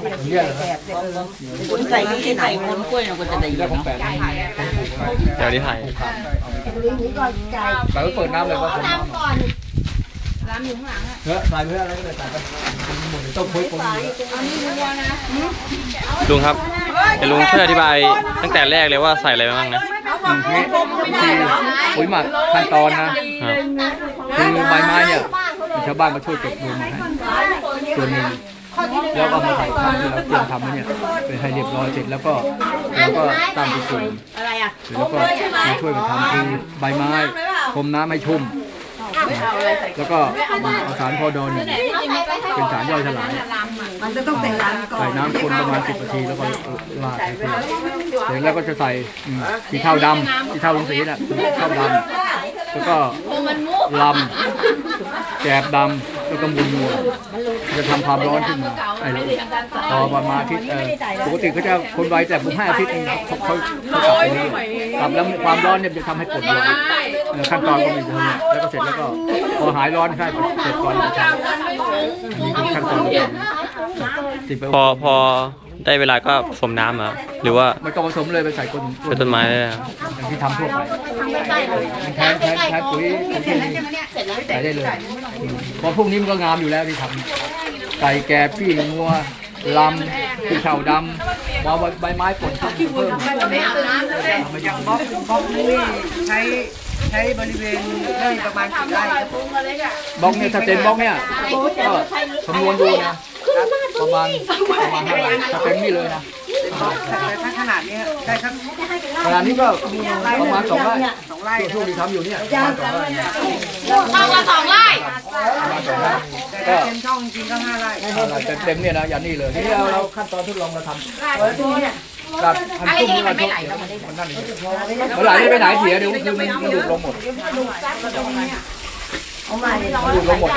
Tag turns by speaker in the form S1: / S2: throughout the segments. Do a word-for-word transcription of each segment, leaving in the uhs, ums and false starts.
S1: เนี่ยคุณใส่ที่ไหนคนกล้วยเนี่ยคุณจะได้เยอะเนาะ
S2: เดี๋ยวนี้ถ่าย
S1: แต่ก็เปิดน้ำเลยว่าผม
S3: น้ำก่อนน้ำอยู่ข้างหลังอ่ะ
S1: เฮ้ยใส่เพื่ออะไรก็เลยใส่ไปหมดต้องคุยคน
S2: ลุงครับแต่ลุงช่วยอธิบายตั้งแต่แรกเลยว่าใส่อะไรบ้างนะ
S1: ปุ๋ยหมักขั้นตอนนะคือใบไม้เนี่ยชาวบ้านมาช่วยเก็บรวมมาให้ส่วนหนึ่งแล้วก็มาใส่ข้าวที่เราเตรียมทำมาเนี่ยเป็นให้เรียบร้อยเสร็จแล้วก็แล้วก็ตั้งเป็นส่วนแล้วก็มาช่วยกันทำคือใบไม้พรมน้ำให้ชุ่มแล้วก็เอาสารพอดอนเป็นสารย่อยสลาย
S3: มันจะต้องใส่น้ำก่อน
S1: ใส่น้ำคนประมาณสิบนาทีแล้วก็ลาดไปเสร็จแล้วก็จะใส่สีเทาดำสีเทาลงสีน่ะเทาดำแล้วก็ลำแกบดำแล้วก็มูลนัวจะทำความร้อนขึ้นมาไอ้ต่อประมาณอาทิตย์ปกติเขาจะคนไวแต่ผมให้อาทิตย์นึงเขาเขาเขากลับไปนี่กลับแล้วความร้อนเนี่ยจะทำให้กดไวขั้นตอนก็มีเท่านี้แล้วก็เสร็จแล้วก็พอหายร้อนใช่เสร็จก่อนจะมีขั้นตอน
S2: พอพอได้เวลาก็ผสมน้ำอ่ะหรือว่า
S1: ไม่ต้องผสมเลยไปใส่ต้น
S2: เป็นต้นไม้เลย
S1: อย่างที่ทำทั่วไปแทนแทนแทนปุ๋ยใส่ได้เลยพอพวกนี้มันก็งามอยู่แล้วที่ทำใส่แกบปี้งัวลำขี้เข่าดำมาใบไม้ผลเพิ่ม
S3: อย่างบล็อกบล็อกนี่ใช้ใช้บริเวณได้ประมาณกี่ไร่
S1: บล็อกเนี่ยถ้าเต็มบล็อกเนี่ยก็คำนวณดูนะประมาณประมาณห้าไร่ถ้าเต็มนี่เลยนะ
S3: แต่ถ้าขนาดนี้ได้ครับ
S1: ขนาดนี้ก็ประมาณสองไร่สองไร่ช่วงที่ทำอยู่เนี่ยประมาณสองไร่
S3: เท่ากับสองไร่
S1: ก็
S3: เต็มช่องจริงก็ห้าไร่
S1: เต็มเนี่ยนะอย่างนี้เลยที่เราเราขั้นตอนทดลองเราทำกับพันตุ้มนี่มันไหลมันนั่นมันไหลไปไหนเสียเดี๋ยวคือมันมันดูดลงหมดดูดลงหมด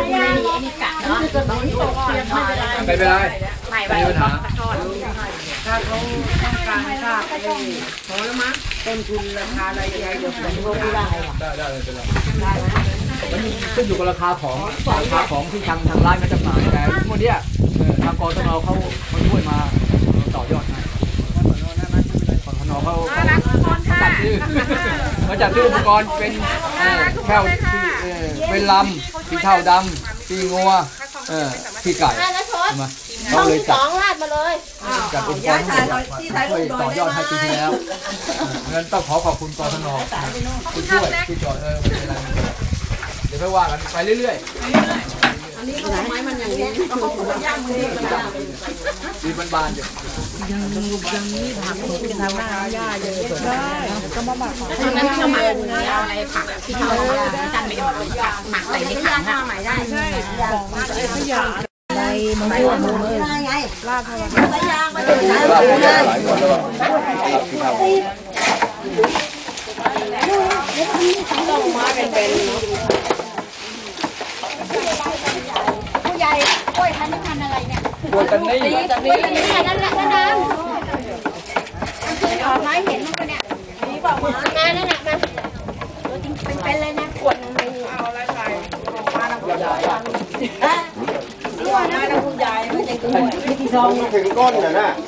S1: ไม่เป็นไรไม่มีปัญหา
S3: ถ้าเขาต้องการทราบพอแล้วมั้งต้นทุนราคาอะไรใหญ่เดี๋ยวผมรู้ได้
S1: ได้ได้เลยเป็นไรมันขึ้นอยู่กับราคาของราคาของที่ทางทางร้านก็จะมาแต่พวกเนี้ยทางกรทนเขาเขาช่วยมาต่อยอดให้กรทนเขาจัดซื้อมาจัดซื้ออุปกรณ์เป็นแค่ที่เป็นลำที่เท่าดำที่งัวที่ไก่มาเขาเลยจัดจัดอุปกรณ์ทั้งหมดช่วยต่อยอดให้ปีที่แล้วงั้นต้องขอขอบคุณกรทนที่ช่วยที่จอดเออไม่เป็นไรเดี๋ยวไปว่ากันไปเรื่อยๆอันนี้ก็ไม้มันอย่างนี้เขาย่างมือดีบานๆอยู่
S3: ยังยังนี่ผักเป็นทางหน้าหญ้าเยอะได้ก็มาหมักของนั้นที่เราหมักเอาอะไรผักที่เราจันไม่ได้หมักหมักใส่ในถังอ่ะใช่ใช่ของไอ้ขยะในมะม่วงเลยลาบอะไรไปยางมาเลยลาบหลายคนแล้วต้องมาเป็นเป็น
S4: ผู้ใหญ่กล้วยพันธุ์พันธุ์อะไรเนี่ย
S1: กล้วยตันนี่
S4: ตันนี่นั่นแหละนั่นนะออกไม้เห็นมั้งเนี่ยดีกว่ามามานั่นแหละมาจริงเป็นเลยนะขวดเอาอะไรใส่มาแล้วผู้ใหญ่อ่ะนี่ว่านะผู้ใหญ่ไม่ใช่ตัวไม่กี่ซอง
S5: ถึงก้นน่ะนะ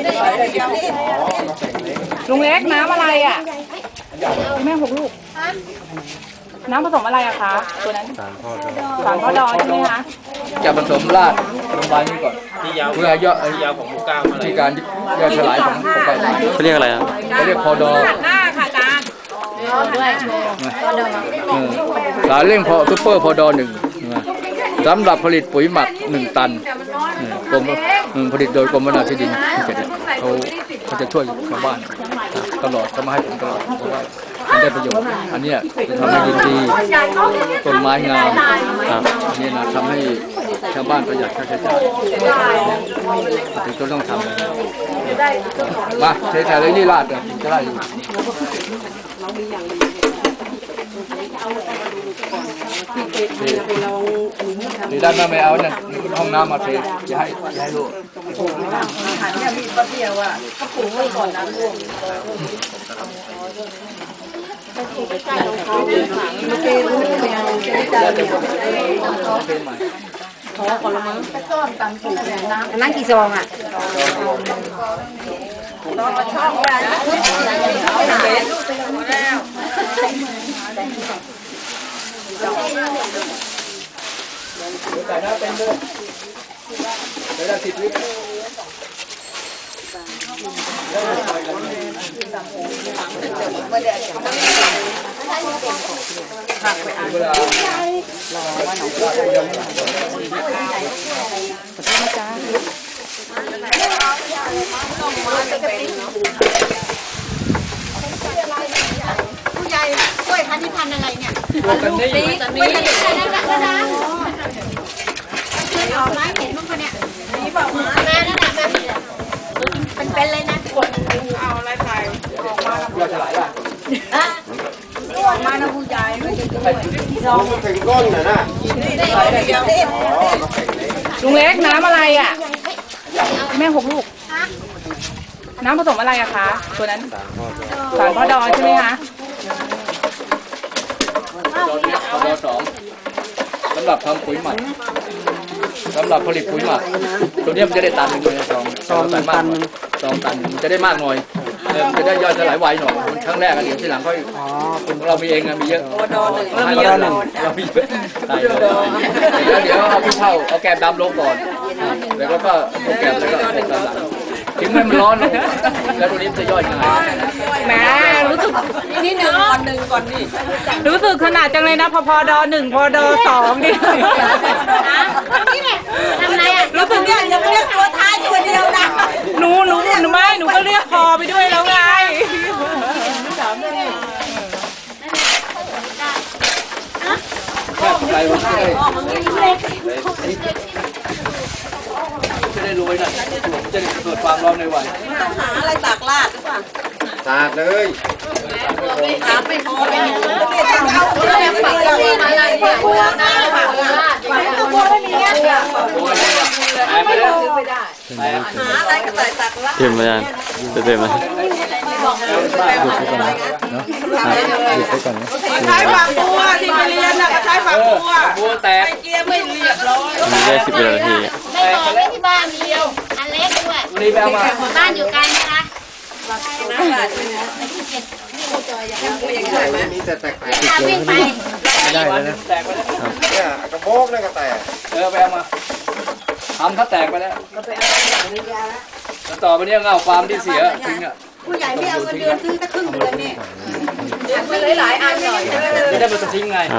S3: ลุงเล็กน้ำอะไรอ่ะแม่หกลูกน้ำผสมอะไรอะคะตัวนั้นสารพ่อดองสารพ่อดองใช่ไหมคะ
S1: จะผสมราดลงไปนี่ก่อนเพื่อย่อยาวของหมูก้าวที่การย่อยสลายของของใบไม้
S2: เขาเรียกอะไรอ่ะ
S1: เขาเรียกพอดอง
S3: หน้าค่ะอาจารย์ด้วย
S1: สารเร่งพอซุปเปอร์พอดอหนึ่งสำหรับผลิตปุ๋ยหมักหนึ่งตันกรมผลิตโดยกรมวิชาที่ดินที่เจ็ดเขาเขาจะช่วยชาวบ้านตลอดเขามาให้ผมตลอดเพราะว่ามันได้ประโยชน์อันนี้จะทำให้ดินดีต้นไม้งามอันนี้นะทำให้ชาวบ้านประหยัดค่าใช้จ่ายถึงต้องทำมาใช้จ่ายเลยนี่ลาดเลยจะได้อยู่ดีด้านมาไม่เอาเนี่ยห้องน้ำมาเทจะให้จะให้ลูก
S3: หันเนี่ยมีปลาเดียวอ่ะเขาปลูกไว้ก่อนน้ำท่วมไปใกล้ของเขาไม่เกลือไม่เอาใจใจเนี่ยขอก่อนละมั้งนั่งกี่ซองอ่ะช่องอะไร
S1: ใส่หน้าเป็นด้วยเดี๋ยวเราติดวิกเวลารอว่าหนูจะยังไม่
S3: ผู้ใหญ่กล้วยพันธุ์ที่พันธุ์อะไรเนี่ย
S1: ตัวกันนี่
S3: กล้วยพันธุ์ที่พันธุ์นั่นแหละก็ได้ออกไม้เห็นมั้งคนเนี่ยนี่บอกมาแม่นั่นแหละแม่เป็นเป็นเลยนะคนเอาอะไรใส่ออกมา
S1: เราจะไหลอ่ะ
S3: อะออกมานะผู้ใหญ่ไม่ใช่กล้วย
S5: มันถึงก้นน่ะนะ
S6: ลุงเล็กน้ำอะไรอ่ะแม่หกลูกน้ำผสมอะไรอะคะตัวนั้นสารพ่อดอใช่ไหมคะ
S1: ตอนนี้พอสองสำหรับทำปุ๋ยหมักสำหรับผลิตปุ๋ยหมักตัวนี้มันจะได้ตันหนึ่งเลยสองสองตันมากสองตันมันจะได้มากหน่อยมันจะได้ย่อยสลายไวหน่อยครั้งแรกเดี๋ยวทีหลังค่อยของเรามีเองมีเยอะเรามีเยอะเรามีเยอะตายเลยเดี๋ยวเดี๋ยวเอาขี้เถ้าเอาแกบดำลงก่อนแล้วก็เอาแกบแล้วก็ตามหลังทิ้งให้มันร้อนลงแล้วตัวนี้จะย่อยง่าย
S6: แหม่รู้สึก
S3: นี่หนึ่งก่อนหนึ่งก่อนนี่
S6: รู้สึกขนาดจังเลยนะพอพอดอหนึ่งพอดอสองดิ
S3: นี่แหละทำไรอ่ะ
S6: รู้สึก
S3: เนี่ยยังไม่เรียกตัวท้ายตัวเดียวนะ
S6: หนูหนูหนูไม่หนูก็เรียกพอไปด้วยแล้วไง
S1: แค่ไรมันจะได้จะได้รวยนะจะได้เกิดความร้อนในวัย
S3: ต้องหาอะไรตากลาดหรือเปล่า
S5: สาดเลย
S3: ตากไม่พอเลยเอาเอาเอาไปเลยมาเลยเนี่ยบัวนะบัวไม่มีเงี้ย
S1: แอบไปแล้ว
S3: หาอะไรก็ใส่ตากลาด
S2: เต็มมายังเต็มมา
S6: ใช้ฝักบัวที่ไปเรียนน่ะก็ใช้ฝักบัว
S1: บัวแตก
S6: เกียร์ไม่เรียบร้อย
S2: มีได้สิบเอ็ดนาที
S3: ไม่พอไม่ที่บ้านเดียวอันเล็กด้วย
S1: รีบไปเอามา
S3: บ้านอยู่ไกลไหมคะ
S5: มีแต่แตก
S3: ถ้าวิ่งไป
S1: ไม่ได้เลยนะแตกไปแล้ว
S5: ๆเนี่ยกระโปงนี่ก็แตก
S1: เออไปเอามาทำถ้าแตกไปแล้วแล้วต่อไปนี้เงาฟาร์มที่เสียทิ้งอ่ะ
S3: ผู้ใหญ่ไม่เอาเงินเดือนซื้อสักครึ่งเดือนเนี่ยเดือนไปหลายๆอันหน่อย
S1: จะได้มาทิ้งไง
S2: ครับ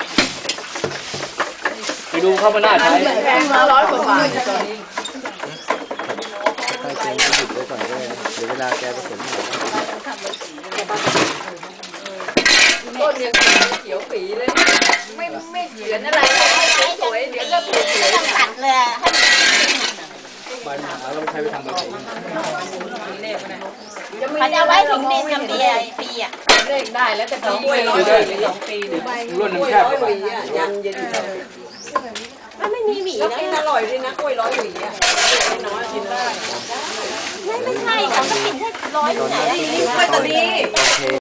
S1: ไปดูเข้ามาหน้าใช้
S3: แพงมาร้อยกว่าบาท
S6: ต้นยังเขียวปีเลยไม่ไม่เหยือนอะไรสวยเดี๋ยวก็
S3: ต้องตัดเลยให้
S1: ใบหนาเราใช้ไปทำแบบนี้
S3: เขาจะเอาไว้ถึงดินกับปีปีอ่ะ
S6: เลขได้แล้วแต่สองปีสองปีหรือ
S1: รุ่นหนึ่งแคบกว่า
S6: ยันเย็น
S3: มันไม่มีหวี
S6: แล้ว
S3: นะ
S6: กินอร่อยด้วยนะกล้วยร้อยหวีอ่ะน้อยกินได้
S3: ไม่ไม่ใช่เขาก็กินแค่ร้อยหวี
S6: นี่กล้วยตานี